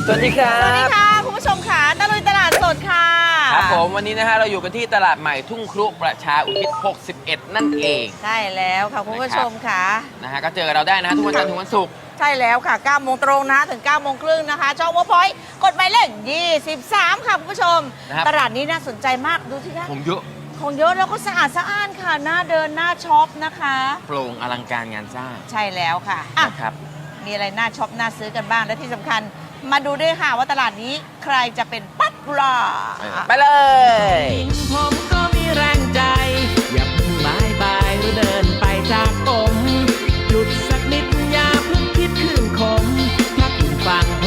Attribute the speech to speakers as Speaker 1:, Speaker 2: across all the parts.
Speaker 1: สวัสดีครับ
Speaker 2: สวัสดีค่ะคุณผู้ชมค่ะตะลุยตลาดสดค่ะ
Speaker 1: ครับผมวันนี้นะฮะเราอยู่กันที่ตลาดใหม่ทุ่งครุประชาอุทิศ 61 นั่นเอง
Speaker 2: ใช่แล้วค่ะคุณผู้ชมค่ะ
Speaker 1: นะฮะก็เจอเราได้นะทุกวันจันทร์ถึงวันศุกร์
Speaker 2: ใช่แล้วค่ะ9โมงตรงนะถึง9โมงครึ่งนะคะช่องวอพอยต์กดหมายเลข23ค่ะคุณผู้ชมตลาดนี้น่าสนใจมากดูสิคะ
Speaker 1: ผมเยอะ
Speaker 2: ของเยอะแล้วก็สะอาดสะอ้านค่ะน่าเดินน่าช็อปนะคะ
Speaker 1: โปร่งอลังการงานสร้าง
Speaker 2: ใช่แล้วค่ะอ่ะ
Speaker 1: นะครับ
Speaker 2: มีอะไรน่าช็อปน่าซื้อกันบ้างและที่สำคัญมาดูด้วยค่ะว่าตลาดนี้ใครจะเป็นป๊อปปูล่า
Speaker 1: ไปเลย
Speaker 3: ผมก็มีแรงใจ อย่าเพิ่งบายบายหรือเดินไปจากผมหยุดสักนิดอย่าเพิ่งคิดคืนคมถ้าคุณฟัง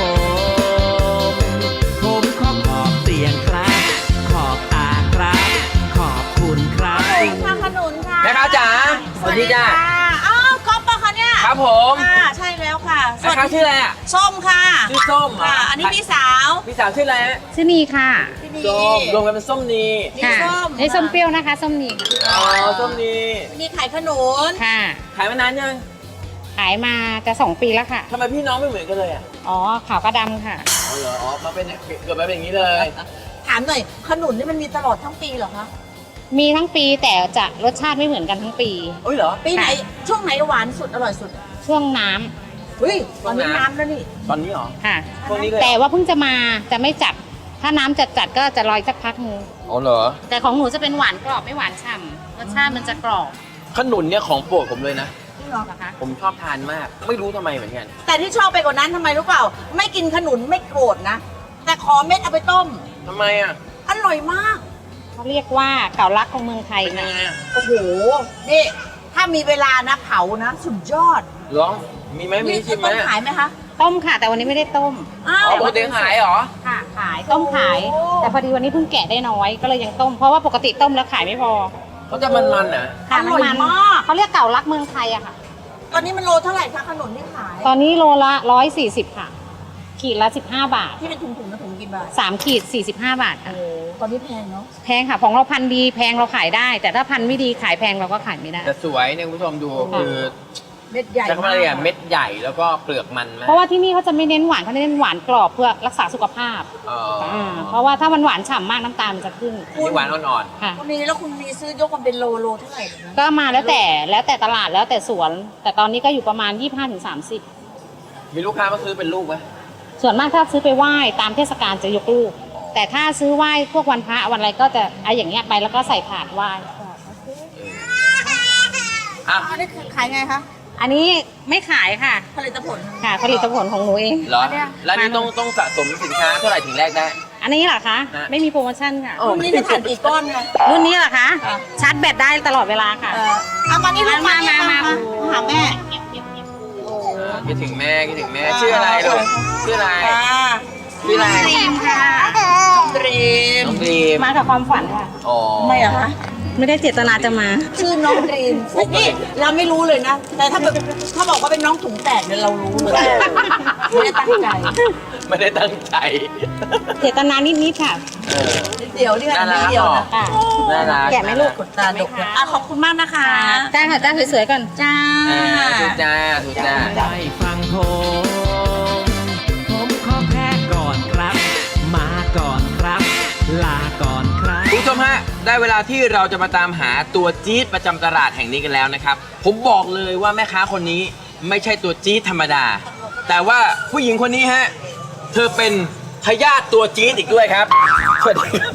Speaker 3: ผมขอบเสียงครับ ขอบตาครับ ขอบคุณครับ
Speaker 2: ค่ะขนุนค่ะ
Speaker 1: แม่ค้าจ๋าสวัสดีจ้า
Speaker 2: อ้าวก๊อฟปะคะเนี่ย
Speaker 1: ครับผม
Speaker 2: ค่ะใช่แล้วค่ะ
Speaker 1: แม่ค้าชื่ออะไรอ่ะ
Speaker 2: ส้มค่ะ
Speaker 1: ชื่อส้มเหร
Speaker 2: ค่ะ อันนี้พี่สาว
Speaker 1: พี่สาวชื่ออะไรฮะ
Speaker 4: ชื่อนีค่ะ
Speaker 2: พี่นี
Speaker 1: ส้มรวมกันเป็นส้มนี
Speaker 2: นี่
Speaker 4: ค่ะ
Speaker 2: ส้ม
Speaker 4: นี่ส้มเปรี้ยวนะคะ ส้มนีค่ะ
Speaker 1: อ๋อส้มนี
Speaker 2: นี่ขายขนุน
Speaker 4: ค่ะ
Speaker 1: ขายมานานยัง
Speaker 4: ขายมาจะ2 ปีแล้วค่ะ
Speaker 1: ทำไมพี่น้องไม่เหมือนกันเลยอ่ะ
Speaker 4: อ๋อ ขาวกระดำค่ะ
Speaker 1: อ๋อเหรออ๋อมาเป็นเกิดมาเป็นอย่างนี้เลย
Speaker 2: ถามหน่อยขนุนนี่มันมีตลอดทั้งปีเหรอคะ
Speaker 4: มีทั้งปีแต่จะรสชาติไม่เหมือนกันทั้งปี
Speaker 1: เอ้ยเหรอ
Speaker 2: ปีไหน
Speaker 4: ค่ะ
Speaker 2: ช่วงไหนหวานสุดอร่อยสุด
Speaker 4: ช่วงน้ำ
Speaker 2: เฮ้ยตอนนี้
Speaker 1: ช่วงน้ำ
Speaker 2: น้ำแล้วนี่
Speaker 1: ตอนนี้เหรอ
Speaker 4: ค่ะ
Speaker 1: ช่วงนี้เลย
Speaker 4: แต่ว่าเพิ่งจะมาจะไม่จัด ถ้าน้ำจัดก็จะลอยสักพักนึง
Speaker 1: อ๋อเหรอ
Speaker 4: แต่ของหนูจะเป็นหวานกรอบไม่หวานฉ่ำรสชาติมันจะกรอบ
Speaker 1: ขนุนเนี่ยของโปรดผมเลยนะ
Speaker 2: จริงเหรอ
Speaker 4: นะคะ
Speaker 1: ผมชอบทานมาก ไม่รู้ทำไมเหมือนกัน
Speaker 2: แต่ที่ชอบไปกว่านั้นทำไมรู้เปล่า ไม่กินขนุนไม่โกรธนะ แต่ขอเม็ดเอาไปต้ม
Speaker 1: ทำไมอ่ะ
Speaker 2: อร่อยมาก
Speaker 4: เขาเรียกว่าเก่าลักของเมืองไทย
Speaker 1: เป็นยั
Speaker 4: ค่ะ
Speaker 1: งไงอ่ะ
Speaker 2: โอ้โห นี่ ถ้ามีเวลานะเผานะ สุดยอด
Speaker 1: ลองมีไหมมีชิมไหม
Speaker 2: ต้มขายไหมคะ
Speaker 4: ต้มค่ะ แต่วันนี้ไม่ได้ต้ม
Speaker 2: อ้าว
Speaker 1: อ๋อปกติขายเหรอ
Speaker 4: ค่ะ ขายต้มขาย
Speaker 2: โอ้
Speaker 4: แต่พอดีวันนี้เพิ่งแกะได้น้อยก็เลยยังต้ม เพราะว่าปกติต้มแล้วขายไม่พอ
Speaker 1: เขาจะมันๆนะ
Speaker 4: ค่ะ
Speaker 2: อร่อย
Speaker 4: มัน
Speaker 2: มาก
Speaker 4: เขาเรียกเก่ารักเมืองไทยอะค่ะ
Speaker 2: ตอนนี้มันโลเท่าไหร่คะขนุนที่ขาย
Speaker 4: ตอนนี้โลละ140ค่ะ ขีดละ15 บาท
Speaker 2: ที่เป็นถุงๆนะถุงกี่บาท
Speaker 4: 3 ขีด45 บาทค่ะ
Speaker 2: โอ้ตอนนี้แพงเนาะ
Speaker 4: แพงค่ะ ของเราพันธุ์ดีแพงเราขายได้ แต่ถ้าพันธุ์ไม่ดีขายแพงเราก็ขายไม่ได้
Speaker 1: แต่สวยเนี่ยคุณผู้ชมดูคือ
Speaker 2: เม็ดใหญ่
Speaker 1: จะเขาเรียกอะไรเม็ดใหญ่แล้วก็เปลือกมันมาก
Speaker 4: เพราะว่าที่นี่เขาจะไม่เน้นหวานเขาเน้นหวานกรอบเพื่อรักษาสุขภาพ
Speaker 1: อ๋อ
Speaker 4: เพราะว่าถ้ามันหวานฉ่ำมากน้ำตาลมันจะขึ้น
Speaker 1: อันนี้หวานอ่อน
Speaker 4: ค่ะ
Speaker 2: คุณนีแล้วคุณนีซื้อยกมาเป็นโลเท่าไหร่นะ
Speaker 4: ก็มาแล้วแต่ตลาดแล้วแต่สวน แต่ตอนนี้ก็อยู่ประมาณ 25-30
Speaker 1: ๆมีลูกค้ามาซื้อเป็นลูกไหม
Speaker 4: ส่วนมากถ้าซื้อไปไหว้ตามเทศกาลจะยกลูก แต่ถ้าซื้อไหว้พวกวันพระวันอะไรก็จะเอาอย่างเงี้ยไปแล้วก็ใส่ถาดไหว้
Speaker 1: อ่ะ
Speaker 2: อันนี้ขายไงคะ
Speaker 4: อันนี้ไม่ขายค่ะ
Speaker 2: ผลิตผล
Speaker 4: ค่ะผลิตผลของหนูเอง
Speaker 1: เหรอ
Speaker 2: อันเนี้ย
Speaker 1: แล้วนี่ต้องสะสมสินค้าเท่าไหร่ถึงแรกได้
Speaker 4: อันนี้เหรอคะ
Speaker 1: ฮะ
Speaker 4: ไม่มีโปรโมชั่นค่ะ
Speaker 2: รุ่นนี้จะผ่านกี่ก้อนไง
Speaker 4: รุ่นนี้เหรอคะ
Speaker 2: ค่ะ
Speaker 4: ชาร์จแบตได้ตลอดเวลาค่ะ
Speaker 2: เอามานี่ลูก
Speaker 4: มา
Speaker 2: นี่
Speaker 4: มา
Speaker 2: หาแม่
Speaker 1: คิดถึงแม่คิดถึงแม่ชื่ออะไรลูกชื่ออะไรชื่ออะไร
Speaker 4: ดรีมค่ะ
Speaker 2: ดรีม
Speaker 1: น้องดีม
Speaker 4: มากับความฝันค่ะ
Speaker 1: อ๋อ
Speaker 2: ไม่อะคะ
Speaker 4: ไม่ได้เจตนาจะมา
Speaker 2: ชื่อน้องดรีมนี่เราไม่รู้เลยนะ แต่ถ้าบอกว่าเป็นน้องถุงแตกเนี่ยเรารู้เลยไม่ได้ตั้งใจ
Speaker 1: ไม่ได้ตั้งใจ
Speaker 4: เจตนานิดๆค่ะ
Speaker 1: เออ
Speaker 2: นิดเดียวนี่ค่ะ
Speaker 1: น่ารั
Speaker 2: นิ
Speaker 1: ก
Speaker 2: ดเดียวนะ
Speaker 4: ค่ะ
Speaker 1: น่ารัก
Speaker 4: แกะไหมลูก
Speaker 2: ขนตาดกเลยอ่ะขอบคุณมากนะคะ
Speaker 4: จ้าค่ะจ้าสวยๆก่อน
Speaker 2: จ้า
Speaker 1: ถูกจ้าถูกจ้า
Speaker 3: ได้ฟังผมขอแพ้ก่อนครับ มาก่อนครับ ลาก่อนครับ
Speaker 1: คุณผู้ชมฮะได้เวลาที่เราจะมาตามหาตัวจี๊ดประจำตลาดแห่งนี้กันแล้วนะครับ ผมบอกเลยว่าแม่ค้าคนนี้ไม่ใช่ตัวจี๊ดธรรมดา แต่ว่าผู้หญิงคนนี้ฮะเธอเป็นทายาทตัวจี๊ดอีกด้วยครับสวัสดีครับ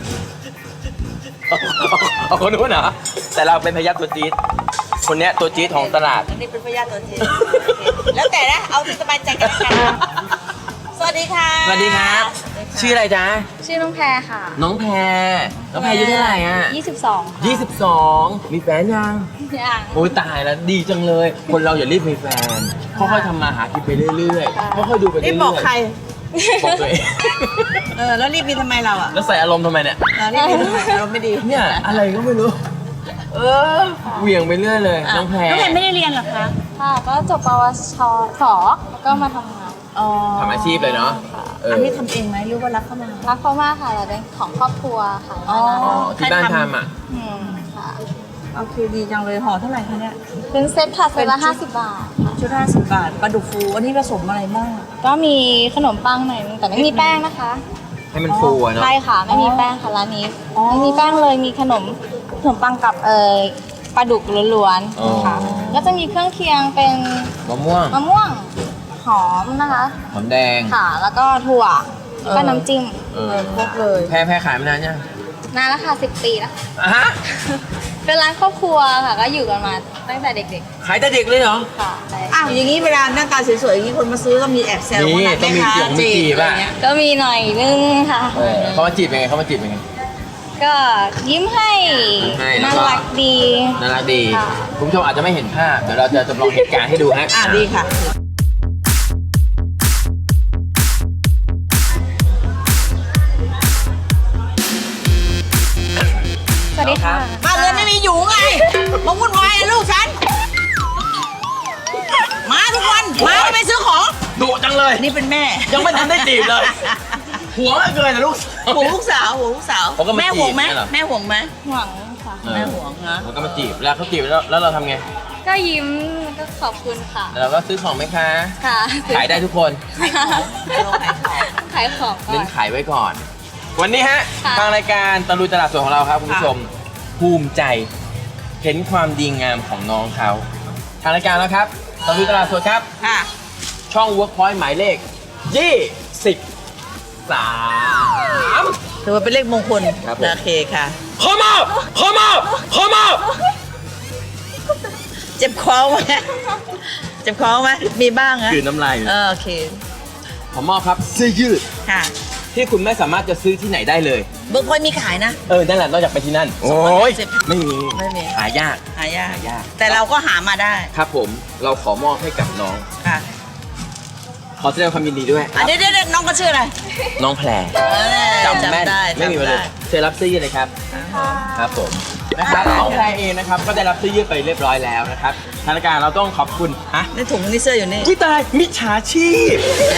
Speaker 1: เอาคนนู้นเหรอแต่เราเป็นทายาทตัวจี๊ดคนเนี้ยตัวจี๊ดของตลาด
Speaker 2: อันนี้เป็นพยาธิตัวจริงแล้วแต่นะเอาที่สบายใจกันแล้วกันสวัสดีค่ะ
Speaker 1: สวัสดีครับ ชื่ออะไรจ๊ะ
Speaker 5: ชื่อน้องแพรค่ะ
Speaker 1: น้องแพรน้องแพรอายุเท่าไหร่อ่ะ
Speaker 5: 22 ค่ะ
Speaker 1: 22 มีแฟนยัง
Speaker 5: ยัง
Speaker 1: โอ้ยตายแล้วดีจังเลย คนเราอย่ารีบมีแฟนค่อยๆทำมาหากินไปเรื่อยๆค่อยๆดูไปเรื่
Speaker 2: รี
Speaker 1: อย
Speaker 2: บ
Speaker 1: ๆ
Speaker 2: บอกใคร
Speaker 1: บอกตัวเอง
Speaker 2: แล้วรีบมีทำไมเราอ่ะ
Speaker 1: แล้วใส่อารมณ์ทำไมเนี่ย
Speaker 2: รีบมีทำไมเราไม่ดี
Speaker 1: เนี่ยอะไรก็ไม่รู้ เออเหวี่ยงไปเรื่อยเลยน้องแพร
Speaker 2: น้องแพรไม่ได้เรียนหรอคะ
Speaker 5: ค่ะ ก็จบปวชสแล้วก็มาทำงาน
Speaker 2: อ๋อ
Speaker 1: ทำอาชีพเลยเนาะเออ
Speaker 2: อันนี้ทำเองไหมหรือว่ารับเข้ามา
Speaker 5: รักเขามากค่ะเราเป็นของครอบครัวค่ะ
Speaker 2: อ๋อ
Speaker 1: อ๋อที่บ้านทำอ่ะ
Speaker 5: ค่ะ
Speaker 2: โอเคดีจังเลยห่อเท่าไหร่คะเนี่ย
Speaker 5: เป็นเซ็ตค่ะเซ็ตละ50 บาท
Speaker 2: ชุด50 บาทปลาดุกฟูอันนี้ผสมอะไรบ้าง
Speaker 5: ก็มีขนมปังหน่อยนึงแต่ไม่มีแป้งนะคะ
Speaker 1: ให้มันฟูอะเนาะ
Speaker 5: ใช่ค่ะ ไม่มีแป้งค่ะร้านนี้
Speaker 2: อ๋อ
Speaker 5: ไม่มีแป้งเลยมีขนมปังกับปลาดุกล้วน
Speaker 1: อ๋อ
Speaker 5: ๆค่ะก็จะมีเครื่องเคียงเป็น
Speaker 1: มะม่วง
Speaker 5: มะม่วงหอมนะคะ
Speaker 1: หอมแดง
Speaker 5: ค่ะ แล้วก็ถั่วแล้วก็น้ำจิ้ม
Speaker 1: เออ
Speaker 2: ครบเลย
Speaker 1: แพ้ขายมานานยัง
Speaker 5: นานแล้วค่ะ10 ปีแล้ว
Speaker 1: อ่ะฮะ
Speaker 5: เป็นร้านครอบครัวค่ะ ก็อยู่กันมาตั้งแต่เด็ก
Speaker 1: ขายแต่เด็กเลยเหรอ
Speaker 5: ๆค่ะใช่
Speaker 2: อ้าวอย่างนี้เวลาหน้าตาสวยๆอย่างนี้คนมาซื้อก็มีแอบแซว
Speaker 1: นี่
Speaker 2: ว่า
Speaker 1: ต้องมี
Speaker 2: แม่ค้า
Speaker 1: จีบ
Speaker 2: จีบ
Speaker 1: อะ
Speaker 2: อะไรเงี้ย
Speaker 5: ก็มีหน่อยนึงค่ะ
Speaker 1: เขามาจีบยังไงเขามาจีบยังไง
Speaker 5: ก็ยิ้มให้
Speaker 1: ยิ้มให้แล้ว
Speaker 5: น่า
Speaker 1: ก็
Speaker 5: รักดี
Speaker 1: น่ารักดี
Speaker 5: ค่ะ
Speaker 1: คุณผู้ชมอาจจะไม่เห็นภาพ เดี๋ยวเราจะจำลองเหตุการณ์ให้ดูฮะ
Speaker 2: ดีค่ะ
Speaker 5: สวัสดีค่ะ
Speaker 2: บ้านเรือนไม่มีอยู่ไงมาวุ่นวายอะลูกฉัน มาทุกวันมาไปซื้อของ
Speaker 1: ดุจังเลย
Speaker 2: นี่เป็นแม่
Speaker 1: ยังไม่ทันได้จีบเลย หัวไม่เกินนะลูก
Speaker 2: ห่วงลูกสาวห่วงลูกสาว
Speaker 1: เขาก็มา
Speaker 2: แม่ห่วงไหม
Speaker 1: จีบเนี่ยเหรอ
Speaker 2: แม่ห่วงไหม
Speaker 5: หวังค่ะ
Speaker 2: แม่ห่วงนะ
Speaker 1: เขาก็มาจีบแล้วเขาจีบแล้วเราทำไง
Speaker 5: ก็ยิ้มก็ขอบคุณค่ะ
Speaker 1: เราก็ซื้อของไหมคะ
Speaker 5: ค่ะ
Speaker 1: ขายได้ทุกคน
Speaker 5: ขายของก่อ
Speaker 1: เน้
Speaker 5: น
Speaker 1: นขายไว้ก่อน วันนี้ฮะ
Speaker 5: ค่ะ
Speaker 1: ทางรายการตะลุยตลาดสดของเราครับคุณผู้ชม ภูมิใจ เห็นความดีงามของน้องเขา ทางรายการแล้วครับตะลุยตลาดสดครับ
Speaker 2: ค่ะ
Speaker 1: ช่อง Workpoint หมายเลข 23
Speaker 2: ถือว่าเป็นเลขมงคล
Speaker 1: ครับผม
Speaker 2: โอเคค่ะ
Speaker 1: ขอมอบขอมอบขอมอบ
Speaker 2: เจ็บคอไหมเจ็บคอไหมมีบ้างนะ
Speaker 1: คือน้ำลาย
Speaker 2: โอเค
Speaker 1: ขอมอบครับเสื้อยืด
Speaker 2: ค่ะ
Speaker 1: ที่คุณไม่สามารถจะซื้อที่ไหนได้เลย
Speaker 2: เบิร์กพอยต์มีขายนะ
Speaker 1: นั่นแหละนอกจากไปที่นั่น โอ้ย
Speaker 2: 250
Speaker 1: ไม่มี
Speaker 2: ไม่มี
Speaker 1: หายาก
Speaker 2: หายาก
Speaker 1: หายาก
Speaker 2: แต่เราก็หามาได้
Speaker 1: ครับผมเราขอมอบให้กับน้อง
Speaker 2: ค่ะ
Speaker 1: ขอแสดงความยินดีด้วยค
Speaker 2: อ่ะ
Speaker 1: รับ
Speaker 2: เดี๋ยวน้องก็ชื่ออะไร
Speaker 1: น้องแพรจำแม่น
Speaker 2: ได้
Speaker 1: ไม่มีมาเลยเชิญรับเสื้อยืดเลยครับ ครับผมนะครับน้องแพรเองนะครับก็ได้รับเสื้อยืดไปเรียบร้อยแล้วนะครับทางรายการเราต้องขอบคุณฮะ
Speaker 2: ในถุงนี่เสื้ออยู่นี่
Speaker 1: วิตายมิจฉาชีพ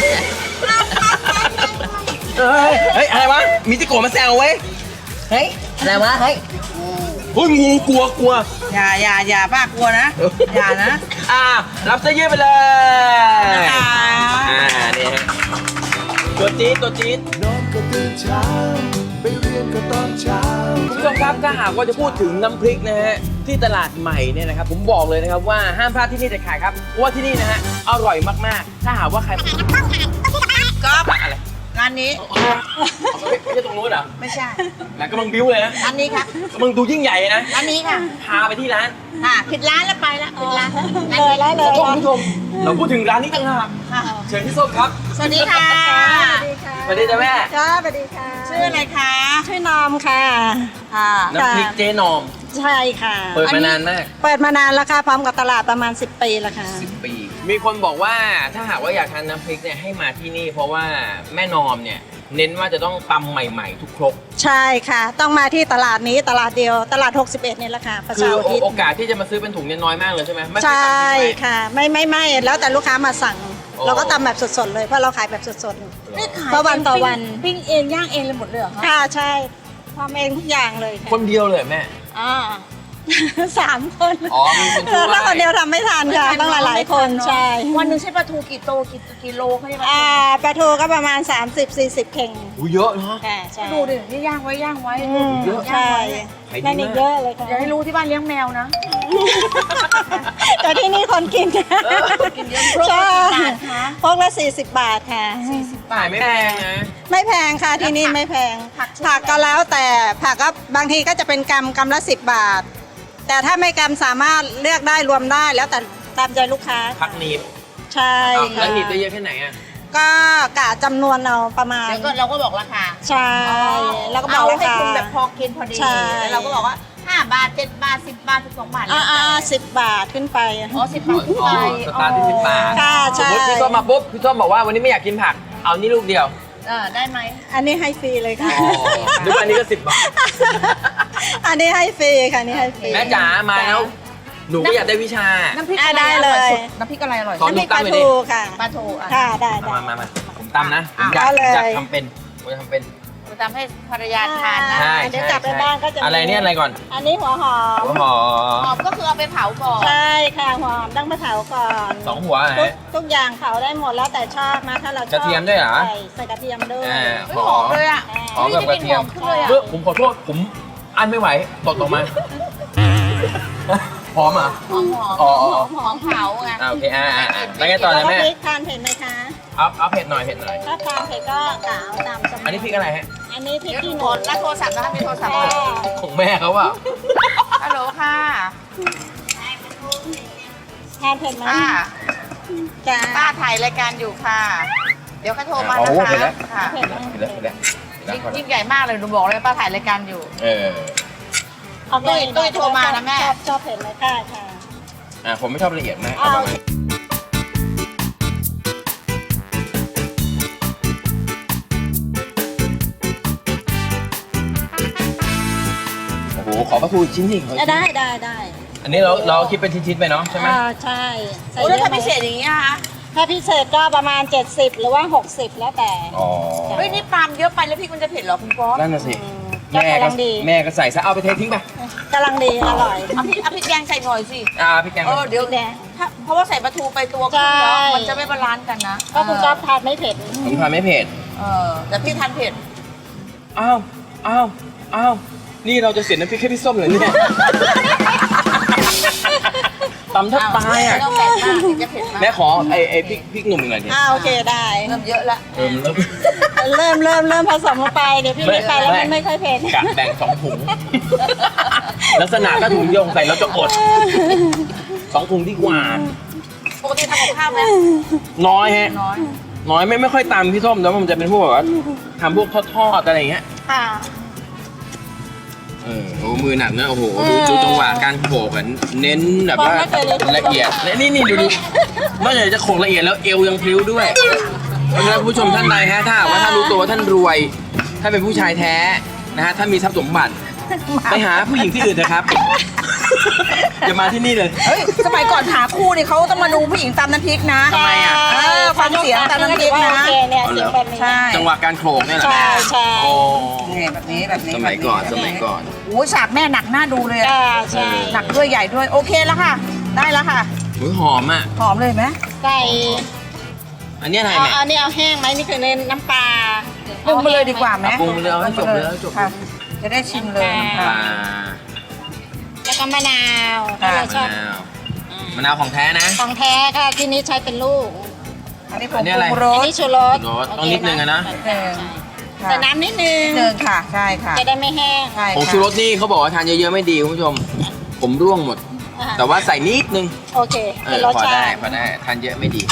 Speaker 1: เฮ้ยอะไรวะมีจิโกะมาแซวเว้ยเฮ้ยอะไรวะเฮ้ยงูกลัว
Speaker 2: อย่าป้ากลัวนะ อย่านะ
Speaker 1: รับเสื้อยืดไปเลย
Speaker 2: นะคะ
Speaker 1: นี่ฮะตัวจี๊ด
Speaker 6: นอนก็ตื่นเช้า ไปเรียนก็ตอนเช้า
Speaker 1: คุณผู้ชมครับถ้าหากว่าจะพูดถึงน้ำพริกนะฮะที่ตลาดใหม่เนี่ยนะครับผมบอกเลยนะครับว่าห้ามพลาดที่นี่เด็ดขาดครับเพราะว่าที่นี่นะฮะอร่อยมากๆถ้าหากว่าใคร
Speaker 2: ก๊อฟ
Speaker 1: อะไร
Speaker 2: งานนี้
Speaker 1: ไม่ใช่ตรงนู้นเหรอ
Speaker 2: ไม่ใช่
Speaker 1: แหมกำลังบิ้วเลยนะ
Speaker 2: อันนี้ค่ะ
Speaker 1: กำลังดูยิ่งใหญ่นะ
Speaker 2: อันนี้ค่ะ
Speaker 1: พาไปที่ร้าน
Speaker 2: ค่ะผิดร้านแล้วไปแล้วผิดร้าน
Speaker 5: เลยได้เลย
Speaker 1: ขอโทษคุณผู้ชมเราพูดถึงร้านนี้ต่างหาก
Speaker 2: ค่ะ
Speaker 1: เชิญพี่ส้มครับ
Speaker 2: สวัสดีค่ะ
Speaker 1: สวัสดีจ้ะแม่
Speaker 5: ค่ะสวัสดีค่ะ
Speaker 2: ชื่ออะไรคะ
Speaker 5: ชื่อนอมค่ะ
Speaker 2: ค่ะ
Speaker 1: น้ำพริกเจ๊นอม
Speaker 5: ใช่ค่ะ
Speaker 1: เปิดมานานมาก
Speaker 5: เปิดมานานแล้วค่ะพร้อมกับตลาดประมาณ10 ปีแล้วค่ะ
Speaker 1: 10 ปี มีคนบอกว่าถ้าหากว่าอยากทานน้ำพริกเนี่ยให้มาที่นี่ เพราะว่าแม่นอมเนี่ยเน้นว่าจะต้องตำใหม่ๆ ทุกครก
Speaker 5: ใช่ค่ะ ต้องมาที่ตลาดนี้ตลาดเดียวตลาด 61นี่แหละค่ะประ
Speaker 1: คื
Speaker 5: ชา
Speaker 1: อ
Speaker 5: อุทิศ
Speaker 1: โอกาสที่จะมาซื้อเป็นถุงเนี่ยน้อยมากเลยใช่ไหมไม่เคย
Speaker 5: ใช่
Speaker 1: ตำทิ้งไว้
Speaker 5: ค่ะไม่แล้วแต่ลูกค้ามาสั่ง
Speaker 1: โอ้
Speaker 5: เราก็ทำแบบสดๆเลยเพราะเราขายแบบสดๆเลย
Speaker 2: นี่ขาย
Speaker 5: เพราะวันต่อวัน
Speaker 2: ปิ้งเองย่างเองเลยหมดเลยเหรอคะ
Speaker 5: ค่ะใช่ทำเองทุกอย่างเลยค่ะ
Speaker 1: คนเดียวเลยแม่
Speaker 5: อ่า 3 คน
Speaker 1: อ๋อมีคนช่วย
Speaker 5: ถ้าคนเดียวทำไม่ทันค่ะต้องหลายๆคนใช่
Speaker 2: วันหนึ่งใช้ปลาทูกี่โตกี่โลเขาเรียกว่า
Speaker 5: ปลาทูก็ประมาณ 30-40 เข่ง
Speaker 1: อู้เยอะเนาะ
Speaker 5: ค่ะใช่
Speaker 2: ดูดินี่ย่างไว้ย่างไว้
Speaker 5: อืม
Speaker 1: เยอะ
Speaker 5: ใช่
Speaker 1: ขายดี
Speaker 5: นั่นอีก
Speaker 1: มาก
Speaker 5: เยอะเลยค่ะ
Speaker 2: อย่าให้รู้ที่บ้านเลี้ยงแมวนะ
Speaker 5: แต่ที่นี่คนกิน
Speaker 2: กินเยอะครบ
Speaker 5: ใช่
Speaker 2: กี่บาทคะ
Speaker 5: พวกละ40 บาทค่ะ
Speaker 1: ขายไม่แพงนะ
Speaker 5: ไม่แพงค่ะที่นี่ไม่แพง ผักก็แล้วแต่ผักก็บางทีก็จะเป็นกำละ10 บาท แต่ถ้าไม่กำสามารถเลือกได้รวมได้แล้วแต่ตามใจลูกค้า
Speaker 1: พักหนีบ
Speaker 5: ใช่
Speaker 1: อ้าว
Speaker 5: ค่ะ
Speaker 1: แล้วหนีบได้เยอะแค่ไหนอ่ะ
Speaker 5: ก็กะจำนวนเอาประมาณ
Speaker 2: แล้วก็เราก็บอกราคา
Speaker 5: ใช่แล้วก็บอก
Speaker 2: เอา
Speaker 5: รา
Speaker 2: ให้
Speaker 5: คา
Speaker 2: คุณแบบพอกินพอดี
Speaker 5: ใช่
Speaker 2: แล้วเราก็บอกว่า5 บาท 7 บาท 10 บาท 12 บาท
Speaker 5: 10 บาทขึ้นไป
Speaker 2: อ๋อ10 บาทขึ้นไป
Speaker 1: สตาร์ทที่10 บาท
Speaker 5: ค่ะ
Speaker 1: ส
Speaker 5: ใช่
Speaker 1: มมติพี่ส้มมาปุ๊บพี่ส้มบอกว่าวันนี้ไม่อยากกินผัก เอานี่ลูกเดียว
Speaker 2: ได้ไหม
Speaker 5: อันนี้ให้ฟรีเลยค่ะ
Speaker 1: ดูอันนี้ก็10 บาท
Speaker 5: อันนี้ให้ฟรีค่ะอันนี้ให้ฟรี
Speaker 1: แม่จ๋ามาแล้ว หนูก็อยากได้วิชา
Speaker 2: น้ำพริกอะไร
Speaker 5: ได้
Speaker 2: อ
Speaker 5: เล
Speaker 2: ร่อย
Speaker 5: ย
Speaker 2: สุดน้ำพริกอะไรอร่อย
Speaker 1: ขอ
Speaker 2: สุด
Speaker 5: น้ำพริกปลาทูค่ะ
Speaker 2: ปลาทูอ่ะ
Speaker 5: ค่ะได้
Speaker 1: มาผมตำนะผม
Speaker 5: เอาเลย
Speaker 1: อยากทำเป็นผมจะทำเป็น
Speaker 2: ทำให้ภรรยาทานนะ
Speaker 1: ใช่
Speaker 5: เดี๋ยวกลับไปบ้านก็จะมี
Speaker 1: อะไรเนี่ยอะไรก่อน
Speaker 5: อันนี้หัวหอม
Speaker 1: หัวหอ
Speaker 2: หอ
Speaker 1: ม
Speaker 2: มก็คือเอาไปเผาก่อน
Speaker 5: ใช่ค่ะหัวหอมต้องไปเผาก่อน
Speaker 1: 2 หัว
Speaker 5: ทุกอย่างเผาได้หมดแล้วแต่ชอบนะถ้าเราชอบ
Speaker 1: กระเทียมด้วยเหรอ
Speaker 5: ใส่กระเทียมด้วย
Speaker 1: อ่า
Speaker 2: เฮ้ยหอมเลยอ่ะ
Speaker 1: หอมกับกระเทียม
Speaker 2: หอมขึ้นเลยอ่ะ
Speaker 1: ผมขอโทษผมอันไม่ไหวตดออกมาหอมอ่ะ
Speaker 2: หอม
Speaker 1: อ๋อ
Speaker 2: หอมเผาไง
Speaker 1: โอเคแล้วไงต่อเลยแม่
Speaker 5: พริกทานเผ็ดไหมคะ
Speaker 1: เอาเผ็ดหน่อยเผ็ดหน่อย
Speaker 5: ถ้าทานเผ็ดก็กะเอาตามสมัย
Speaker 1: อันนี้พริกอะไรฮะ
Speaker 5: อันนี้พริก
Speaker 2: เดี๋ยว
Speaker 5: ขี้
Speaker 2: ห
Speaker 5: ห
Speaker 2: ม
Speaker 5: นู
Speaker 2: ดรับโทรศัพท์นะคะมีโทรศัพท์
Speaker 5: ค่ะ
Speaker 1: ของแม่เขาอ่ะ
Speaker 2: ฮัลโหลค่ะ
Speaker 5: ทานเผ็ดไหม
Speaker 2: ป้า
Speaker 5: จ้า
Speaker 2: ป้าถ่ายรายการอยู่ค่ะ เดี๋ยวเขาโทรมา
Speaker 1: โอ้
Speaker 2: นะ
Speaker 1: โห
Speaker 2: คะ
Speaker 1: เผ็ดแล้ว
Speaker 2: ค่ะ
Speaker 5: เผ็ดไหม
Speaker 1: เผ็ดแล้วเผ็ดแล้วเผ็ดแล้ว
Speaker 2: ยิ่งใหญ่มากเลยหนูบอกเลยป้าถ่ายรายการอยู่
Speaker 5: เอา
Speaker 2: ตุ้ยโทรมานะแม่
Speaker 5: ชอบเผ็ดไหมค่ะค่ะ
Speaker 1: ผมไม่ชอบละเอียดมาก
Speaker 5: เอา
Speaker 1: ประมาณโอ้โหขอปลาทูอีกชิ้นสิขออีกชิ้น
Speaker 5: ได้
Speaker 1: อันนี้เราคิดเป็นชิ้นๆไปเนาะใช่ไหม
Speaker 5: ใช่ใส่
Speaker 2: โอ้
Speaker 5: เย
Speaker 2: แล้ว
Speaker 5: อะ
Speaker 2: ถ้า
Speaker 5: ไหม
Speaker 2: พิเศษอย่างนี้นะคะ
Speaker 5: ถ้าพิเศษก็ประมาณ 70 หรือว่า 60 แล้วแต่
Speaker 1: อ๋อ
Speaker 2: เฮ้ยนี่ปลามเยอะไปแล้วพริกมันจะเผ็ดเหรอคุณป๊อป
Speaker 1: นั่นน่ะสิ
Speaker 5: ก็
Speaker 1: แม่
Speaker 5: กำ
Speaker 1: ก็
Speaker 5: ลังดี
Speaker 1: แม่ก็ใส่ซะเอาไปเททิ้งไป
Speaker 5: กำลังดีอร่อย
Speaker 2: เอาพริกแดงใส่หน่อยสิ
Speaker 1: พี่แกง
Speaker 2: เดี๋ยว
Speaker 5: พริกแดง
Speaker 2: เพราะว่าใส่ปลาทูไปตัวครึ่งแล้ว
Speaker 5: ใช่
Speaker 2: มันจะไม่บาลานซ์กันนะ
Speaker 5: ก็คุณก๊อฟทานไม่เผ็ด
Speaker 1: ผมทานไม่เผ็ด
Speaker 2: แต่พี่ทานเผ็ด
Speaker 1: อ้าวนี่เราจะเสียน้ำพริกให้พี่ส้มเหรอเนี่ยตำแทบตายอ่ะ
Speaker 2: ไม่ต้องแบ่งมากเดี๋ยวจะเผ็ดมาก
Speaker 1: แม่ขอไอ้พริกหนุ่มหน่อยดิ
Speaker 5: โอเคได้
Speaker 2: เริ่มเยอะละ
Speaker 1: เริ่ม
Speaker 5: เริ่มผสมลงไปเดี๋ยวพี่ไม่ไปแล้วมันไม่ค่อยเผ็ด
Speaker 1: กะแบ่ง2 ถุง ลักษณะก็ถุงโยงใส่แล้วจะอด2 ถุงดีกว่า
Speaker 2: ปกติทำกับข้าวไหม
Speaker 1: น้อยฮะ
Speaker 2: น้อย
Speaker 1: น้อยไม่ค่อยตำพี่ส้มแต่ว่ามันจะเป็นพวกแบบว่าทำพวกทอดๆอะไรอย่างเงี้ย
Speaker 5: ค่ะ
Speaker 1: โอ้มือหนักนะโอ้โหดูจังหวะการโขกกันเน้นแบบว่าละเอียดและนี่ดูนอกจากจะโขกละเอียดแล้วเอวยังพลิ้วด้วยเพราะฉะนั้นผู้ชมท่านใดฮะถ้าหากว่าท่านรู้ตัวว่าท่านรวย ถ้าเป็นผู้ชายแท้นะฮะถ้ามีทรัพย์สมบัติไปหาผู้หญิงที่อื่นนะครับอย่ามาที่นี่เลย
Speaker 2: เฮ้ยสมัยก่อนหาคู่นี่เขาต้องมาดูผู้หญิงตำน้ำพริกนะ
Speaker 1: ทำไมอ่ะ
Speaker 2: ฟังเสียงตำน้ำพริกนะ
Speaker 5: โอเคเนี่ยเสียงแบบนี้
Speaker 2: ใช่
Speaker 1: จังหวะการโขกเนี่ยเหรอ
Speaker 5: ใช่
Speaker 1: โอ้
Speaker 2: นี่แบบนี้แบบนี้
Speaker 1: สมัยก่อน
Speaker 2: โอ้ยฉากแม่หนักหน้าดูเลยอะ
Speaker 5: ใช่
Speaker 2: หนักด้วยใหญ่ด้วยโอเคแล้วค่ะ ได้แล้วค่ะ
Speaker 1: อุ๊ยหอมอ่ะ
Speaker 2: หอมเลยไหม
Speaker 5: ใส่
Speaker 1: อันนี้อะไร
Speaker 5: เอา
Speaker 1: แม่
Speaker 5: อันนี้เอาแห้งไหมนี่คือในน้ำปลา
Speaker 2: ปรุงไปเลยดีกว่าไหม
Speaker 1: ปรุงไปเลยเอาให้จบเลยเอาให้จบ
Speaker 2: ค่ะ จะได้ชิมเลย
Speaker 1: ปลา
Speaker 5: แล้วก็มะนาว
Speaker 2: ค่ะ
Speaker 5: ที่เราชอบ
Speaker 1: มะนาวของแท้นะ
Speaker 5: ของแท้ค่ะที่นี้ใช้เป็นลูก
Speaker 2: อันนี้ผ
Speaker 1: อั
Speaker 2: ง
Speaker 1: นนี้
Speaker 2: ป
Speaker 1: อะไร
Speaker 2: รุงร
Speaker 5: อัน
Speaker 2: ส
Speaker 5: นี้ชูรส
Speaker 1: ชูรสต้องนิดนึงอะนะ
Speaker 2: เออ
Speaker 5: ใส่น้ำนิดนึง
Speaker 2: หนึ่งค่ะใช่ค่ะ
Speaker 5: จะได้ไม่แห้ง
Speaker 2: ใช่
Speaker 1: ผงชูรสนี่เขาบอกว่าทานเยอะๆไม่ดีคุณผู้ชม ผมร่วงหมด แต่ว่าใส่นิดนึง
Speaker 5: โอเคเป็นรส
Speaker 1: พอ
Speaker 5: ชา
Speaker 1: ได้
Speaker 5: ติ
Speaker 1: พอได้ทานเยอะไม่ดี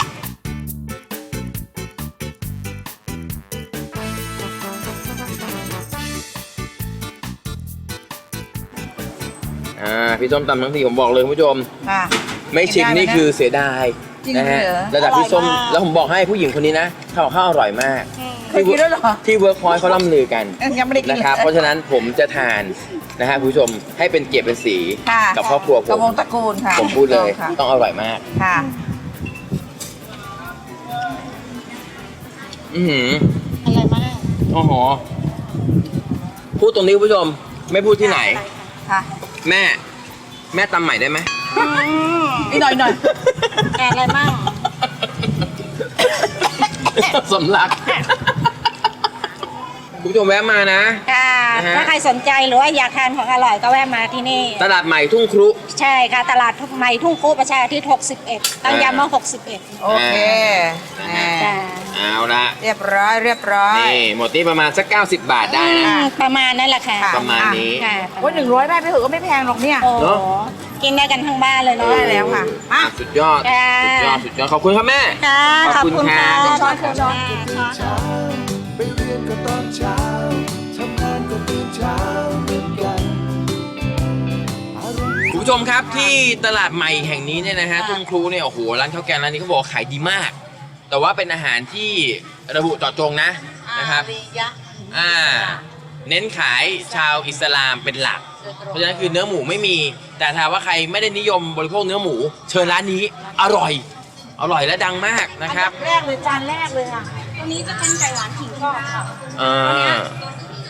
Speaker 1: พี่ส้มตำทั้งทีผมบอกเลยคุณผู้ชม
Speaker 2: ค่ะ
Speaker 1: ไม่ชิมนี่คือเสียดาย
Speaker 2: จริง
Speaker 1: นะฮะ
Speaker 2: เหรอ
Speaker 1: ระดับพี่ส้มแล้วผมบอกให้ผู้หญิงคนนี้นะข้าวอร่อยมาก
Speaker 2: เคยกินด้วยเหรอ
Speaker 1: ที่เวิร์คพอยต์เขาล่ำลือกัน
Speaker 2: ยังไม่ได้กิน
Speaker 1: นะครับ เพราะฉะนั้นผมจะทานนะฮะคุณผู้ชมให้เป็นเกียรติเป็นสี
Speaker 2: ค่ะ
Speaker 1: กับครอบครัวผ
Speaker 2: กับ
Speaker 1: ม
Speaker 2: วงตระกูลค่ะ
Speaker 1: ผมพูดเลย
Speaker 2: ค่ะ
Speaker 1: ต้องอร่อยมาก
Speaker 2: ค่ะ
Speaker 1: อือหือ
Speaker 5: อะไรมาก
Speaker 1: โอ้โหพูดตรงนี้คุณผู้ชม ไม่พูดที่ไหน
Speaker 2: ค่ะ
Speaker 1: แม่ตำใหม่ได้ไหม
Speaker 2: อีกหน่อยหน่อย
Speaker 5: อะไรมาก
Speaker 1: สำลักคุณผู้ชมแวะมานะ
Speaker 5: ค่ะ
Speaker 1: นะฮะ
Speaker 5: ถ้าใครสนใจหรือว่าอยากทานของอร่อยก็แวะมาที่นี่
Speaker 1: ตลาดใหม่ทุ่งครุ
Speaker 5: ใช่ค่ะ ตลาดใหม่ทุ่งคูประชาอาทิตย์61 ตั้งย้ำว่า61
Speaker 2: โอเค
Speaker 5: จ้า
Speaker 1: เอาละ
Speaker 2: เรียบร้อย
Speaker 1: นี่หมดนี่ประมาณสัก90 บาทได้นะ
Speaker 5: ประมาณนั่นแหละค่ะ
Speaker 1: ประมาณนี้
Speaker 5: ค่ะ
Speaker 2: ว่า100ได้ไปเถอะก็ไม่แพงหรอกเนี่ย
Speaker 5: โอ้
Speaker 1: เนอะ
Speaker 5: กินได้กันทั้งบ้านเลยเนาะ
Speaker 2: ได้แล้วค่ะ
Speaker 1: อ่ะสุดยอด
Speaker 5: ค่ะ
Speaker 1: สุดยอดขอบคุณครับแม่
Speaker 5: ค่ะ
Speaker 1: ขอบคุณค่ะ
Speaker 5: ขอบคุณค่ะ
Speaker 6: เช้าไปเรียนก็ตอนเช้าทำงานก็ตื่นเช้าเหมือนกันอารมณ์
Speaker 1: คุณผู้ชมครับที่ตลาดใหม่แห่งนี้เนี่ยนะฮะทุ่งครูเนี่ยโอ้โหร้านข้าวแกงร้านนี้เขาบอกว่าขายดีมาก แต่ว่าเป็นอาหารที่ระบุเจาะจงนะครับเน้นขายชาวอิสลามเป็นหลัก เพราะฉะนั้นคือเนื้อหมูไม่มี แต่ถ้าว่าใครไม่ได้นิยมบริโภคเนื้อหมู เชิญร้านนี้อร่อยและดังมากนะครับ
Speaker 2: แรกเลยจานแรกเลยค่ะ
Speaker 5: ตัวนี้จะเป็นไก่หวานขิงกรอบค่ะ
Speaker 1: อ่า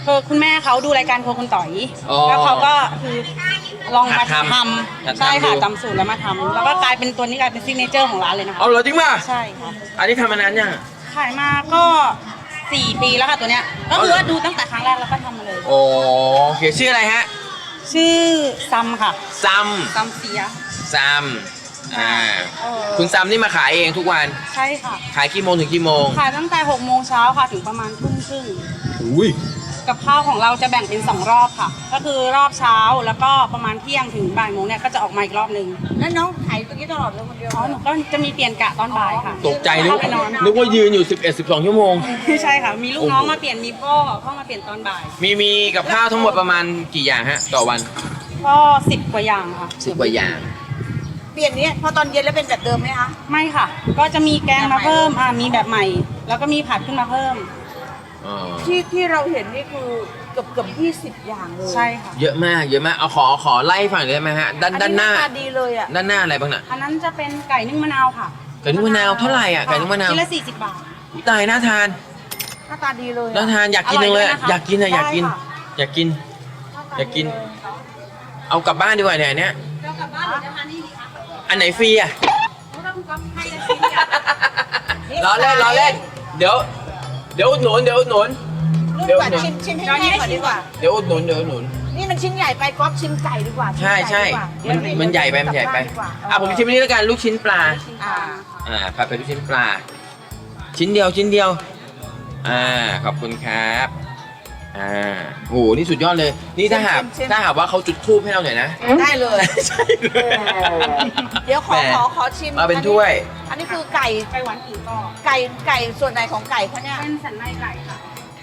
Speaker 7: คือคุณแม่เขาดูรายการครัวคุณต่อย
Speaker 1: อ๋อ
Speaker 7: แล้วเขาก็คือลองมา
Speaker 1: หัดทำ
Speaker 7: ท
Speaker 1: หัดทำ
Speaker 7: ำใช่ค่ะ
Speaker 1: ดู
Speaker 7: จำสูตรแล้วมาทำแล้วก็กลายเป็นตัวนี้กลายเป็นซิกเนเจอร์ของร้านเลยนะคะ
Speaker 1: เอาเหรอจริงป่ะ
Speaker 7: ใช่ค่ะ
Speaker 1: อันนี้ทำมานานยัง
Speaker 7: ขายมาก็ 4 ปีแล้วค่ะตัวเนี้ยก็คือว่าดูตั้งแต่ครั้งแรกแล้วก็ทำมาเลย
Speaker 1: โอเคชื่ออะไรฮะ
Speaker 7: ชื่อซัมค่ะ
Speaker 1: ซัม
Speaker 7: ซัมเสีย
Speaker 1: ซัมคุณซัมนี่มาขายเองทุกวัน
Speaker 7: ใช่ค่ะ
Speaker 1: ขายกี่โมงถึงกี่โมง
Speaker 7: ขายตั้งแต่6 โมงเช้าค่ะถึงประมาณทุ่มครึ่ง
Speaker 1: อุ้ย
Speaker 7: กับข้าวของเราจะแบ่งเป็น 2 รอบค่ะ ก็คือรอบเช้าแล้วก็ประมาณเที่ยงถึงบ่ายโมงเนี่ยก็จะออกมาอีกรอบนึง
Speaker 2: แล้วน้องขายตรงนี้ตลอดเลยคนเดียว
Speaker 7: อ๋อหนูก็จะมีเปลี่ยนกะตอนบ่ายค่ะ
Speaker 1: ตกใจนึก
Speaker 7: เข้าไปนอน
Speaker 1: นึกว่ายืนอยู่ 11-12 ชั่วโมง
Speaker 7: ไม่ใช่ค่ะ มีลูกน้องมาเปลี่ยนมีพ่อเข้ามาเปลี่ยนตอนบ่าย
Speaker 1: มีกับข้าวทั้งหมดประมาณกี่อย่างฮะ ต่อวัน
Speaker 7: ก็10 กว่าอย่างค่ะ
Speaker 1: 10 กว่าอย่าง
Speaker 2: เปลี่ยนเนี้ยพอตอนเย็นแล้วเป็นแบบเดิมไหมคะ
Speaker 7: ไม่ค่ะ ก็จะมีแกงมาเพิ่มมีแบบใหม่ แล้วก็มีผัดขึ้นมาเพิ่ม
Speaker 2: ที่เราเห็นนี่คือเกือบ20 อย่างเลย
Speaker 7: ใช่ค่ะ
Speaker 1: เยอะมากเยอะมากเอาขอไล่ฝั่งได้ไหมฮะด้านหน้า
Speaker 2: ตาดีเลยอ่ะ
Speaker 1: ด้านหน้าอะไรบ้างน่ะ
Speaker 7: อันนั้นจะเป็นไก่นึ่งมะนาวค่ะ
Speaker 1: ไก่นุ่มมะนาวเท่าไหร่อ่ะไก่นุ่มมะนาว
Speaker 7: ชิ้นละ40 บาท
Speaker 1: อุ๊ยตายน่าทาน
Speaker 2: หน้าตาดีเลย
Speaker 1: น่า
Speaker 2: อะ
Speaker 1: ทานอยากกินจังเลย
Speaker 7: อร่อยด้วยนะคะ
Speaker 1: อยากกินอะอยากกิน
Speaker 7: ได้ค่ะ
Speaker 1: อยากกิน อยากกิน เอากลับบ้านดีกว่าเนี่ยอันเนี้ย
Speaker 7: เรากลับบ้านหรือจะทานนี่ดีคะ
Speaker 1: อันไหนฟรีอ่ะ
Speaker 7: เพราะเราคุณก๊อฟให้ละชิ้นเดียว
Speaker 1: ล้อเล่นเดี๋ยวอุดหนุน
Speaker 2: ลูกก่อนชิมให้แม่ก่อนดีกว่า
Speaker 1: เดี๋ยวอุดหนุน
Speaker 2: นี่มันชิ้นใหญ่ไปก๊อฟชิมไก่ดีกว่า
Speaker 1: ใช่ใช่ มันใหญ่ไปมันใหญ่ไปผมชิมอันนี้แล้วกันลูกชิ้นปลา ผัดเป็นลูกชิ้นปลา ชิ้นเดียวขอบคุณครับโหนี่สุดยอดเลย นี่ถ้าหากว่าเขาจุดธูปให้เราหน่อยนะ
Speaker 2: ได้เลย
Speaker 1: ใช่เลย
Speaker 2: เดี๋ยวข
Speaker 1: แหม
Speaker 2: อชิม
Speaker 1: มาเป็นถ้วย
Speaker 2: อันนี้คือไก่
Speaker 7: ไก่หวานผีกรอบ
Speaker 2: ไก่ส่วนไหนของไก่เขาเนี่ย
Speaker 7: เป็นสันในไก่ค่ะ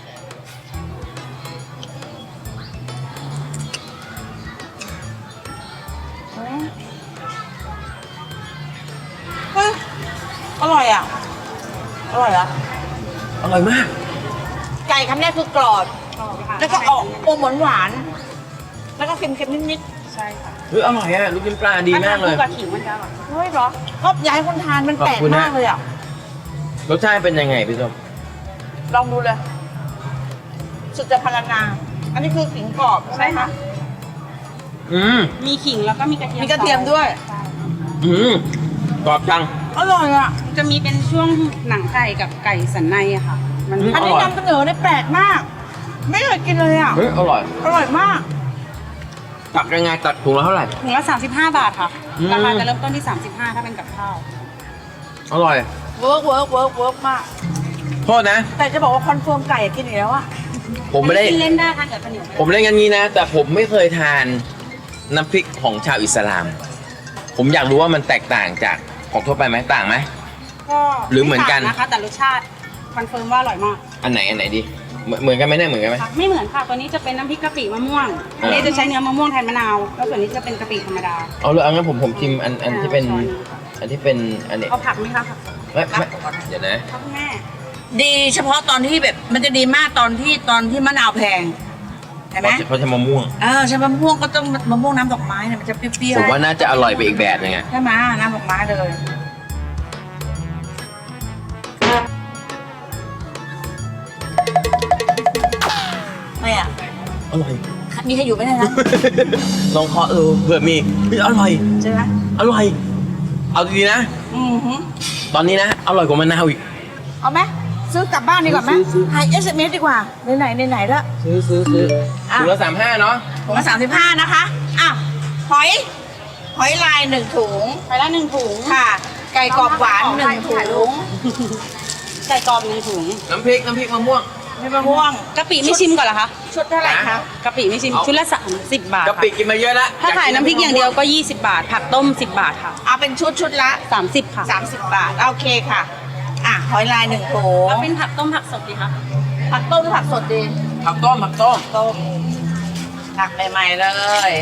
Speaker 2: เฮ้ยอร่อยอ่ะ อร่อยอ่ะ
Speaker 1: อร่อยมาก
Speaker 2: ไก่คำแรกคือกรอบ
Speaker 7: กรอบค่ะ
Speaker 2: แล้วก็ออกอมหวานๆแล้วก็เค็มๆนิด
Speaker 7: ใช่ค่ะ
Speaker 1: เฮ้ยอร่อยอ่ะลูกชิ้นปลาดีมากเลย
Speaker 7: ถ้ทนคู่กับขิงมันจะอร่อย
Speaker 2: ๆเฮ้ยเหรอก็อยากให้คนทานมันแปลก
Speaker 1: ขอบคุณนะ
Speaker 2: มากเลยอ่ะ
Speaker 1: รสชาติเป็นยังไงพี่ส้ม
Speaker 2: ลองดูเลย สุดจะพรรณนา อันนี้คือขิงกรอบใช่ไหมคะ
Speaker 7: มีขิงแล้วก็มีกระเทียม
Speaker 2: มีกระเทียมด้วย
Speaker 7: ใช่
Speaker 1: กรอบจัง
Speaker 2: อร่อยอ่ะ
Speaker 7: จะมีเป็นช่วงหนังไก่กับไก่สันในอะค่ะ มัน
Speaker 1: อืม
Speaker 2: อันนี้นำเสนอได้แปลกมาก ไม่เคยกินเลยอ่ะ
Speaker 1: เฮ้ยอร่อย
Speaker 2: อร่อยมาก
Speaker 1: ตักยังไงตักถุงละเท่าไหร่
Speaker 7: ถุงละ35 บาทค่ะ
Speaker 1: อืม
Speaker 7: ราคาจะเริ่มต้นที่ 35 ถ้าเป็นกับข้าว
Speaker 1: อร่อย
Speaker 2: เวิร์กมาก
Speaker 1: โทษนะ
Speaker 2: แต่จะบอกว่าคอนเฟิร์มไก่กินอีกแล้วอ่ะ
Speaker 1: ผมไม่ได้
Speaker 7: กินเล่นได้ทานกับข้าวเหนียว
Speaker 1: ผมเล่นกันงี้นะ แต่ผมไม่เคยทานน้ำพริกของชาวอิสลาม ผมอยากรู้ว่ามันแตกต่างจากของทั่วไปไหมต่างไหม
Speaker 7: ก็
Speaker 1: หรือเหมือนกัน
Speaker 7: ไต่างนะคะ แต่รสชาติคอนเฟิร์มว่าอร่อยมาก
Speaker 1: อันไหนดีเหมือนกันไหมเนี่ยเหมือนกันไหม
Speaker 7: ค่ะไม่เหมือนค่ะ ตัวนี้จะเป็นน้ำพริกกะปิมะม่วง อันนี้จะใช้เนื้อมะม่วงแทนมะนาว แล้วส่วนนี้จะเป็นกะปิธรรมดา
Speaker 1: เอาเลยเอางั้นผมชิมอันที่เป็น
Speaker 7: ช้อนนี้ค่ะ
Speaker 1: อันที่เป็นอันนี้
Speaker 7: เอาผักไหมคะผักสด
Speaker 1: ไม่เดี๋ยวนะ
Speaker 7: ครับคุณแม่
Speaker 2: ดีเฉพาะตอนที่แบบมันจะดีมากตอนที่มะนาวแพงเห็นไหม
Speaker 1: เขาจะมะม่วง
Speaker 2: ใช่มะม่วงก็ต้องมะม่วงน้ำดอกไม้เนี่ยมันจะเปรี้ยว
Speaker 1: ผมว่าน่าจะอร่อยไปอีกแบบนึงอะ
Speaker 2: ใช่ไหมน้ำดอกไม้เลยไม่อ่ะ
Speaker 1: อร่อย
Speaker 2: มีใครอยู่ไหมเนยนะ
Speaker 1: ลองเคาะเผื่อมีเฮ้ยอร่อย
Speaker 2: ใช่ไหม
Speaker 1: อร่อย เอาดีๆนะ
Speaker 2: หือ
Speaker 1: ตอนนี้นะ อร่อยกว่ามะนาวอีก
Speaker 2: เอาไหมซื้อกลับบ้านดีกว่าไหม
Speaker 1: ซื้อ
Speaker 2: ให้ SMS ดีกว่าไหนแล้ว
Speaker 1: ซื้อถุงละ35เนาะ
Speaker 2: ถุงละ35นะคะอ้าวหอยลาย1 ถุง
Speaker 7: ไปละ1 ถุง
Speaker 2: ค่ะ ไก่กรอบหวาน1 ถุง
Speaker 7: ไก่กรอบ1 ถุง
Speaker 1: น้ำพริกมะม่วง
Speaker 2: มีมะม่วง
Speaker 7: กะปิไม่ชิมก่อนเหรอคะ
Speaker 2: ชุดเท่าไหร่คะ
Speaker 7: กะปิไม่ชิม
Speaker 1: เอา
Speaker 7: ชุดละ30 บาท
Speaker 1: กะปิ
Speaker 7: ค่ะ
Speaker 1: กินมาเยอะแล้ว
Speaker 7: ถ้าขายน้ำพริกอย่างเดียวก็ 20 บาท ผักต้ม 10 บาทค่ะ
Speaker 2: เอาเป็นชุดละ
Speaker 7: 30 ค่ะ
Speaker 2: 30 บาท โอเคค่ะ หอยลาย1 ถุง
Speaker 7: แล้วเป็นผักต้มผักสดดีคะ
Speaker 2: ผักต้มหรือผักสดดี
Speaker 1: ผักต้ม
Speaker 2: ต้มผักใหม่ๆเลย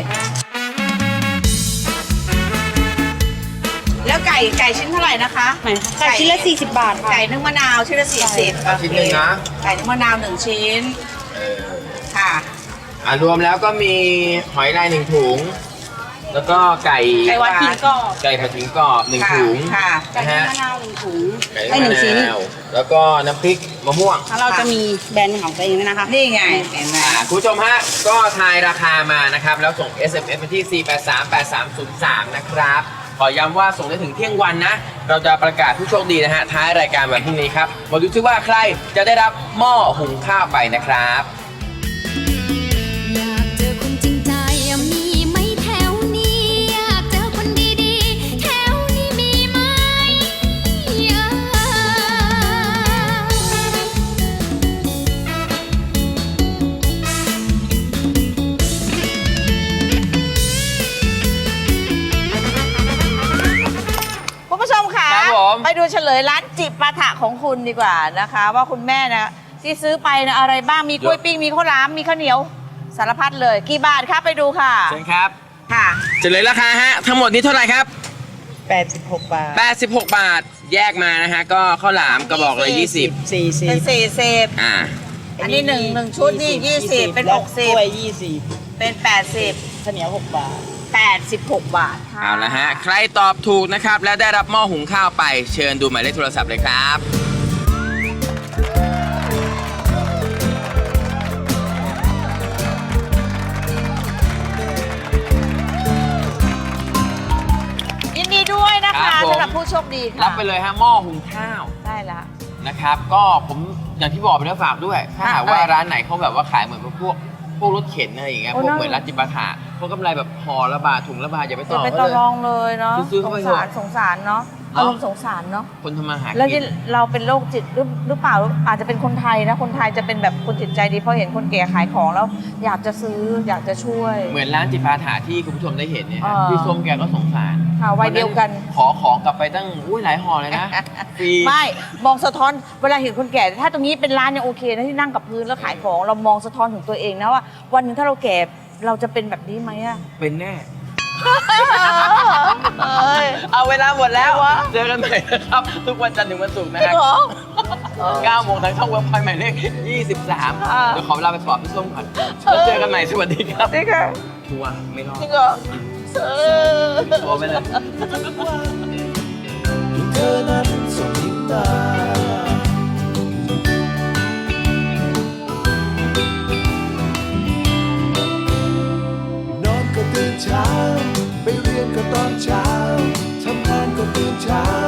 Speaker 2: แล้วไก่ชิ้นเท่าไหร่นะคะ
Speaker 7: ไหนคะไก่ชิ้นละ40 บาทค่ะ
Speaker 2: ไก่นึ่งมะนาวชิ้นละ40
Speaker 1: เอาชิ้นหนึ่งนะ
Speaker 2: ไก่นึ่งมะนาว1 ชิ้น ค่ะ
Speaker 1: รวมแล้วก็มีหอยลาย1 ถุงแล้วก็ไก่
Speaker 7: ไก่วัดขิงกรอบ
Speaker 1: ไก่ผัดขิงกรอบ1 ถุง
Speaker 2: ค่ะ
Speaker 7: ไก่
Speaker 1: นะ
Speaker 7: มะ
Speaker 1: ฮะ
Speaker 7: นาว1 ถุง
Speaker 1: ไก่
Speaker 7: ไอ้หนึ่งชิ้น
Speaker 1: มะาวแล้วก็น้ำพริกมะม่วง
Speaker 7: แล้วเราจะมีแบรนด์ของตัวเองด้วยนะคะ
Speaker 2: นี่ไงเห็นไหม
Speaker 1: คุณผู้ชมฮะก็ทายราคามานะครับแล้วส่ง SMS มาที่ 4838303 นะครับขอย้ำว่าส่งได้ถึงเที่ยงวันนะ เราจะประกาศผู้โชคดีนะฮะท้ายรายการวันพรุ่งนี้ครับมาดูซิว่าใครจะได้รับหม้อหุงข้าวไปนะครับ
Speaker 8: อยากเจอคนจริงใจมีไหมแถวนี้อยากเจอคนดีๆแถวนี้มีไหม
Speaker 2: คุณผู้ชมค่ะ
Speaker 1: ครับผม
Speaker 2: ไปดูเฉลยร้านจิปาถะของคุณดีกว่านะคะ ว่าคุณแม่นะที่ซื้อไปนะอะไรบ้างมีกล้วยปิ้งมีข้าวหลามมีข้าวเหนียวสารพัดเลยกี่บาทครับไปดูค่ะ
Speaker 1: เชิญครับ
Speaker 2: ค่ะ
Speaker 1: เฉลยราคาฮะทั้งหมดนี้เท่าไหร่ครับ
Speaker 9: 86 บาท
Speaker 1: 86 บาทแยกมานะฮะก็ข้าวหลามกระบอกเลย20
Speaker 2: เป็น
Speaker 9: 40
Speaker 2: 40
Speaker 1: อ่า
Speaker 2: อันนี้หนึ่งชุดนี่20เป็น
Speaker 9: แล้วกล้วย
Speaker 2: 60เป็น80
Speaker 9: 20ข้าวเหนียว6 บาท
Speaker 2: 86 บาทค่ะ
Speaker 1: เอาละฮะใครตอบถูกนะครับและได้รับหม้อหุงข้าวไปเชิญดูหมายเลขโทรศัพท์เลยครับ
Speaker 2: ยินดีด้วยนะ
Speaker 1: ครั
Speaker 2: คะ
Speaker 1: บผม
Speaker 2: สำหรับผู้โชคดีค่ะ
Speaker 1: รับไปเลยฮะหม้อหุงข้าว
Speaker 2: ได้ละ
Speaker 1: นะครับก็ผมอย่างที่บอกไปแล้วฝากด้วย ถ้าหากว่า
Speaker 2: อะไร
Speaker 1: ร้านไหนเขาแบบว่าขายเหมือนพวกรถเข็นอะไรอย่างเงี้ย
Speaker 2: โอ้
Speaker 1: พวก
Speaker 2: น่า
Speaker 1: เหมือนร้านจิปาถะพวกกำไรแบบห่อละบาทถุงละบาทอย่าไปต่
Speaker 2: จะ
Speaker 1: อ
Speaker 2: ไป
Speaker 1: เขา
Speaker 2: ต่อ
Speaker 1: เลย
Speaker 2: รองเลยเนาะ
Speaker 1: ซื้อเข้าไปเถอะ
Speaker 2: สงสารเนาะ
Speaker 1: เนอะ
Speaker 2: อารมณ์สงสารเนาะ
Speaker 1: คนทำมาหา
Speaker 2: แล้ว
Speaker 1: กิน
Speaker 2: เราเป็นโรคจิตหรือเปล่าอาจจะเป็นคนไทยนะคนไทยจะเป็นแบบคนจิตใจดีเพราะเห็นคนแก่ขายของแล้ว อยากจะซื้ออยากจะช่วย
Speaker 1: เหมือนร้านจิปาถะที่คุณผู้ชมได้เห็นเนี่ยฮะ
Speaker 2: เออ
Speaker 1: พี่ส้มแกก็สงสาร
Speaker 2: ค่ะวัยเดียวกัน
Speaker 1: ขอของกลับไปตั้งหลายห่อเลยนะฟรี
Speaker 2: ไม่มองสะท้อนเวลาเห็นคนแก่ถ้าตรงนี้เป็นร้านยังโอเคนะที่นั่งกับพื้นแล้วขายของเรามองสะท้อนถึงตัวเองนะว่า วันหนึงถ้าเราแก่เราจะเป็นแบบนี้ไหมอะ
Speaker 1: เป็นแน่
Speaker 2: เอ้ย
Speaker 1: เอาเวลาหมดแล้ว
Speaker 2: อะไรวะ
Speaker 1: เจอกันใหม่นะครับ ทุกวันจันทร์ถึงวันศุกร์นะ
Speaker 2: จริ
Speaker 1: ฮะ
Speaker 2: งเหรอ
Speaker 1: 9 โมงทางช่องเว็บไซต์หมายเลข 23 เดี๋ยวขอเวลาไปสอบพี่ส้มก่อนแล้วเจอกันใหม่สวัสดีครับ
Speaker 2: จริงเหรอ
Speaker 1: ทัวร์ไม่รอด
Speaker 2: จริงเหรอเออ
Speaker 1: ทัวร์ไปเลย
Speaker 6: ที่เธอนั้นส่งยิ้มมานอนก็ตื่นเช้า ไปเรียนก็ตอนเช้า ทำงานก็ตื่นเช้า